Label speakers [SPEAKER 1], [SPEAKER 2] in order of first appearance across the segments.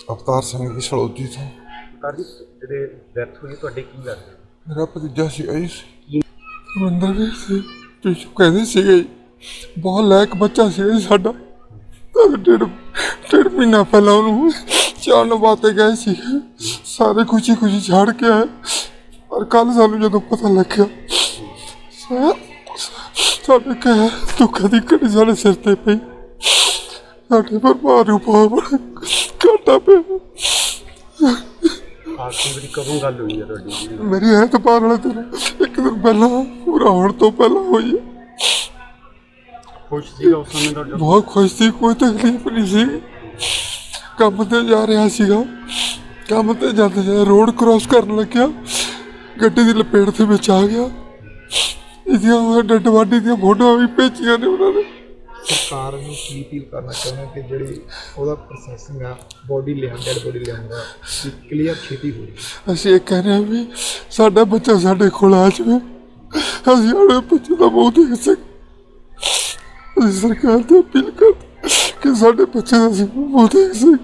[SPEAKER 1] अवतार सिंह जी सलौदी तो।
[SPEAKER 2] अवतार जी ਜਿਹੜੇ ਡੈਥ ਹੋਈ ਤੁਹਾਡੇ ਕੀ ਲੱਗਦਾ?
[SPEAKER 1] मेरा भतीजा सी रविंदर वीर से पिछू कहते सी बहुत लैक बच्चा सी साडा। डेढ़ महीना पहला उन्होंने चाण बातें गए सी, सारे खुशी खुशी छाड़ के आए। पर कल सानू जो पता लग्या साडे कह दुखा की घड़ी साडे सिर ते पई, साडे परिवार नूं बहुत घाटा पिया।
[SPEAKER 2] आखिरी बारी कदों गल हुई है तुहाडी?
[SPEAKER 1] मेरी ऐतवार वाले दिन एक दिन पहला पूरा होने तो पहला हुई है।
[SPEAKER 2] खुश सीगा उस समय तुहाडा?
[SPEAKER 1] बहुत खुश थी, कोई तकलीफ नहीं सी। काम ते जा रहा सीगा, काम ते जाते जाते रोड क्रॉस करने लग्या, गड्डी की लपेट के विच आ गया। इसदियां डेड बॉडी दी फोटो भी भेजियां ने उन्होंने।
[SPEAKER 2] सरकार ਨੂੰ ਕੀ ਅਪੀਲ ਕਰਨਾ ਚਾਹੁੰਦਾ ਕਿ ਜਿਹੜੀ ਉਹਦਾ ਪ੍ਰੋਸੈਸਿੰਗ ਆ ਬੋਡੀ ਲਿਆਉਣ ਡੈਡ ਬੋਡੀ ਲਿਆਉਣ ਦਾ ਕਲੀਅਰ ਛੇਤੀ ਹੋ ਜਾਵੇ।
[SPEAKER 1] ਅਸੀਂ ਇਹ ਕਹਿ ਰਹੇ ਹਾਂ ਵੀ ਸਾਡਾ ਬੱਚਾ ਸਾਡੇ ਕੋਲ ਆ ਜਾਵੇ, ਅਸੀਂ ਆਪਣੇ ਬੱਚੇ ਦਾ ਮੂੰਹ ਦੇਖ ਸਕੀਏ। ਅਸੀਂ ਸਰਕਾਰ ਤੋਂ ਅਪੀਲ ਕਰਦੇ ਕਿ ਸਾਡੇ ਬੱਚੇ ਦਾ ਅਸੀਂ ਮੂੰਹ ਦੇਖ ਸਕੀਏ।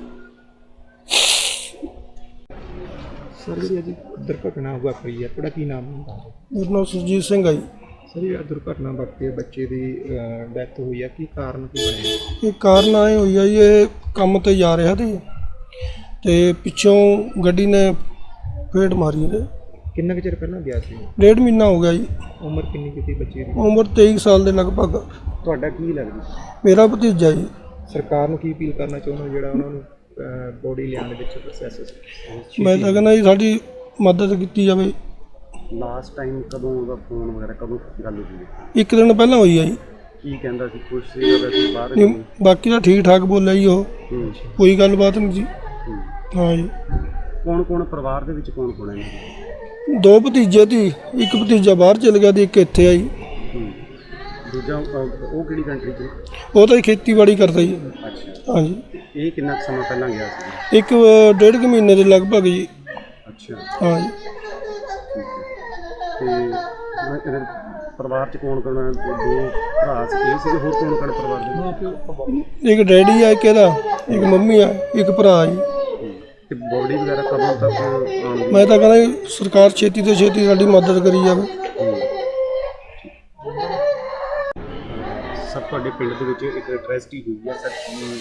[SPEAKER 2] ਸਰ ਜਿਹੜੀ ਅੱਜ ਦੁਰਘਟਨਾ ਵਾਪਰੀ ਹੈ, ਤੁਹਾਡਾ ਕੀ ਨਾਮ ਹੈ?
[SPEAKER 3] ਮੇਰਾ ਨਾਮ ਸੁਰਜੀਤ ਸਿੰਘ ਹੈ ਜੀ।
[SPEAKER 2] ਸਰ ਇਹ ਦੁਰਘਟਨਾ ਵਾਪਰੀ ਹੈ, ਬੱਚੇ ਦੀ ਡੈਥ ਹੋਈ ਹੈ, ਕੀ ਕਾਰਨ ਕੀ ਬਣਿਆ?
[SPEAKER 3] ਇਹ ਕਾਰਨ ਆਏ ਹੋਈ ਆ ਜੀ, ਇਹ ਕੰਮ ਤੇ ਜਾ ਰਿਹਾ ਸੀ ਤੇ ਪਿੱਛੋਂ ਗੱਡੀ ਨੇ ਫੇਟ ਮਾਰੀ ਨੇ।
[SPEAKER 2] ਕਿੰਨਾ ਕੁ ਚਿਰ ਪਹਿਲਾਂ ਗਿਆ ਸੀ?
[SPEAKER 3] ਡੇਢ ਮਹੀਨਾ ਹੋ ਗਿਆ ਜੀ।
[SPEAKER 2] ਉਮਰ ਕਿੰਨੀ ਕੀਤੀ ਬੱਚੇ ਦੀ?
[SPEAKER 3] ਉਮਰ 23 ਸਾਲ ਦੇ ਲਗਭਗ।
[SPEAKER 2] ਤੁਹਾਡਾ ਕੀ ਲੱਗਦਾ?
[SPEAKER 3] ਮੇਰਾ ਭਤੀਜਾ ਜੀ।
[SPEAKER 2] ਸਰਕਾਰ ਨੂੰ ਕੀ ਅਪੀਲ ਕਰਨਾ ਚਾਹੁੰਦਾ ਜਿਹੜਾ ਉਹਨਾਂ ਨੂੰ ਬੋਡੀ ਲਿਆਉਣ ਦੇ ਵਿੱਚ ਪ੍ਰੋਸੈਸ?
[SPEAKER 3] ਮੈਂ ਤਾਂ ਕਹਿੰਦਾ ਜੀ ਸਾਡੀ ਮਦਦ ਕੀਤੀ ਜਾਵੇ।
[SPEAKER 2] ਲਾਸਟ ਟਾਈਮ ਕਦੋਂ ਉਹਦਾ ਫੋਨ ਵਗੈਰਾ ਕਦੋਂ ਗੱਲ ਹੋਈ?
[SPEAKER 3] ਇੱਕ ਦਿਨ ਪਹਿਲਾਂ ਹੋਈ ਆ ਜੀ।
[SPEAKER 2] ਕੀ ਕਹਿੰਦਾ ਸੀ? ਖੁਸ਼ ਸੀਗਾ ਵੈਸੇ ਬਾਹਰ?
[SPEAKER 3] ਨਹੀਂ, ਬਾਕੀ ਤਾਂ ਠੀਕ ਠਾਕ ਬੋਲਿਆ ਜੀ ਉਹ, ਕੋਈ ਗੱਲਬਾਤ ਨਹੀਂ ਜੀ। ਹਾਂ ਜੀ।
[SPEAKER 2] ਕੌਣ ਕੌਣ ਪਰਿਵਾਰ ਦੇ ਵਿੱਚ ਕੌਣ ਕੌਣ ਹੈ?
[SPEAKER 3] ਦੋ ਭਤੀਜੇ ਸੀ, ਇੱਕ ਭਤੀਜਾ ਬਾਹਰ ਚਲ ਗਿਆ ਤੇ ਇੱਕ ਇੱਥੇ ਆ ਜੀ।
[SPEAKER 2] ਦੂਜਾ ਉਹ ਕਿਹੜੀ ਕੰਟਰੀ 'ਚ?
[SPEAKER 3] ਉਹ ਤਾਂ ਖੇਤੀਬਾੜੀ ਕਰਦਾ ਜੀ।
[SPEAKER 2] ਅੱਛਾ।
[SPEAKER 3] ਹਾਂਜੀ।
[SPEAKER 2] ਇਹ ਕਿੰਨਾ ਸਮਾਂ ਪਹਿਲਾਂ ਗਿਆ ਸੀ?
[SPEAKER 3] ਇੱਕ ਡੇਢ ਕੁ ਮਹੀਨੇ ਦੇ ਲਗਭਗ ਜੀ।
[SPEAKER 2] ਅੱਛਾ।
[SPEAKER 3] ਹਾਂ ਜੀ।
[SPEAKER 2] ਤੇ ਪਰਿਵਾਰ 'ਚ ਕੌਣ ਕੌਣ? ਦੋ ਭਰਾ ਸੀ, ਹੋਰ ਕੌਣ ਕੌਣ ਪਰਿਵਾਰ ਦੇ?
[SPEAKER 3] ਇੱਕ ਡੈਡੀ ਆ, ਇੱਕ ਇਹਦਾ, ਇੱਕ ਮੰਮੀ ਆ, ਇੱਕ ਭਰਾ ਜੀ।
[SPEAKER 2] ਤੇ ਬੋਡੀ ਵਗੈਰਾ ਕਦੋਂ ਤੱਕ ਆਉਣਗੀ?
[SPEAKER 3] ਮੈਂ ਤਾਂ ਕਹਿੰਦਾ ਜੀ ਸਰਕਾਰ ਛੇਤੀ ਤੋਂ ਛੇਤੀ ਸਾਡੀ ਮਦਦ ਕਰੀ ਜਾਵੇ।
[SPEAKER 2] ਸਰ ਤੁਹਾਡੇ ਪਿੰਡ ਦੇ ਵਿੱਚ ਇੱਕ ਟ੍ਰੈਜਡੀ ਹੋਈ ਹੈ ਸਰ?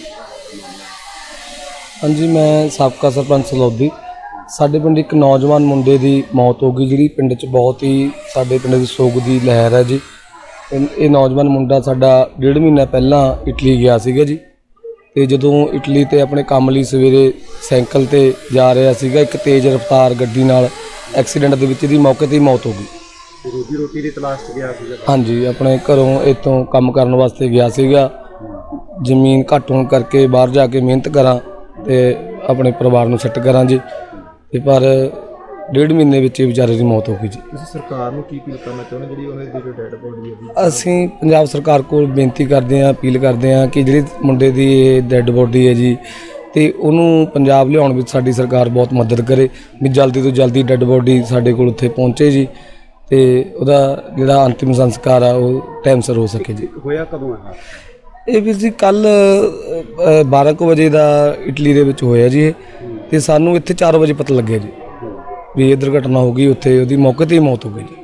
[SPEAKER 4] ਹਾਂਜੀ, ਮੈਂ ਸਾਬਕਾ ਸਰਪੰਚ ਸਲੌਦੀ। ਸਾਡੇ ਪਿੰਡ ਇੱਕ ਨੌਜਵਾਨ ਮੁੰਡੇ ਦੀ ਮੌਤ ਹੋ ਗਈ, ਜਿਹੜੀ ਪਿੰਡ 'ਚ ਬਹੁਤ ਹੀ ਸਾਡੇ ਪਿੰਡ ਦੀ ਸੋਗ ਦੀ ਲਹਿਰ ਹੈ ਜੀ। ਇਹ ਨੌਜਵਾਨ ਮੁੰਡਾ ਸਾਡਾ ਡੇਢ ਮਹੀਨਾ ਪਹਿਲਾਂ ਇਟਲੀ ਗਿਆ ਸੀਗਾ ਜੀ। ਤੇ ਜਦੋਂ ਇਟਲੀ ਤੇ ਆਪਣੇ ਕੰਮ ਲਈ ਸਵੇਰੇ ਸਾਈਕਲ ਤੇ ਜਾ ਰਿਹਾ ਸੀਗਾ, ਇੱਕ ਤੇਜ਼ ਰਫ਼ਤਾਰ ਗੱਡੀ ਨਾਲ ਐਕਸੀਡੈਂਟ ਦੇ ਵਿੱਚ ਇਹਦੀ ਮੌਕੇ 'ਤੇ ਹੀ ਮੌਤ ਹੋ ਗਈ।
[SPEAKER 2] ਰੋਟੀ ਦੀ ਤਲਾਸ਼ 'ਚ ਗਿਆ ਸੀਗਾ? ਹਾਂਜੀ,
[SPEAKER 4] ਆਪਣੇ ਘਰੋਂ ਇੱਥੋਂ ਕੰਮ ਕਰਨ ਵਾਸਤੇ ਗਿਆ ਸੀਗਾ। ਜ਼ਮੀਨ ਘੱਟ ਹੋਣ ਕਰਕੇ ਬਾਹਰ ਜਾ ਕੇ ਮਿਹਨਤ ਕਰਾਂ ਤੇ ਆਪਣੇ ਪਰਿਵਾਰ ਨੂੰ ਸੈੱਟ ਕਰਾਂ ਜੀ। ਤੇ ਪਰ ਡੇਢ ਮਹੀਨੇ ਵਿੱਚ ਇਹ ਵਿਚਾਰੇ ਦੀ ਮੌਤ ਹੋ ਗਈ ਜੀ।
[SPEAKER 2] ਤੁਸੀਂ ਸਰਕਾਰ ਨੂੰ ਕੀ ਅਪੀਲ ਕਰਨਾ ਚਾਹੁੰਦੇ ਜਿਹੜੀ ਉਹਨਾਂ ਦੀ ਡੈਡ ਬੋਡੀ ਹੈ?
[SPEAKER 4] ਅਸੀਂ ਪੰਜਾਬ ਸਰਕਾਰ ਕੋਲ ਬੇਨਤੀ ਕਰਦੇ ਹਾਂ, ਅਪੀਲ ਕਰਦੇ ਹਾਂ ਕਿ ਜਿਹੜੀ ਮੁੰਡੇ ਦੀ ਇਹ ਡੈਡ ਬੋਡੀ ਹੈ ਜੀ, ਤੇ ਉਹਨੂੰ ਪੰਜਾਬ ਲਿਆਉਣ ਵਿੱਚ ਸਾਡੀ ਸਰਕਾਰ ਬਹੁਤ ਮਦਦ ਕਰੇ ਵੀ ਜਲਦੀ ਤੋਂ ਜਲਦੀ ਡੈਡ ਬੋਡੀ ਸਾਡੇ ਕੋਲ ਉੱਥੇ ਪਹੁੰਚੇ ਜੀ, ਤੇ ਉਹਦਾ ਜਿਹੜਾ ਅੰਤਿਮ ਸੰਸਕਾਰ ਆ ਉਹ ਟਾਈਮ ਸਿਰ ਹੋ ਸਕੇ ਜੀ।
[SPEAKER 2] ਹੋਇਆ ਕਦੋਂ ਹੈ
[SPEAKER 4] ਇਹ ਵੀਰ ਜੀ? ਕੱਲ 12 ਕੁ ਵਜੇ ਦਾ ਇਟਲੀ ਦੇ ਵਿੱਚ ਹੋਇਆ ਜੀ ਇਹ, ਤੇ ਸਾਨੂੰ ਇੱਥੇ 4 ਵਜੇ ਪਤਾ ਲੱਗਿਆ ਜੀ ਵੀ ਇਹ ਦੁਰਘਟਨਾ ਹੋ ਗਈ। ਉੱਥੇ ਉਹਦੀ ਮੌਕੇ 'ਤੇ ਹੀ ਮੌਤ ਹੋ ਗਈ ਜੀ।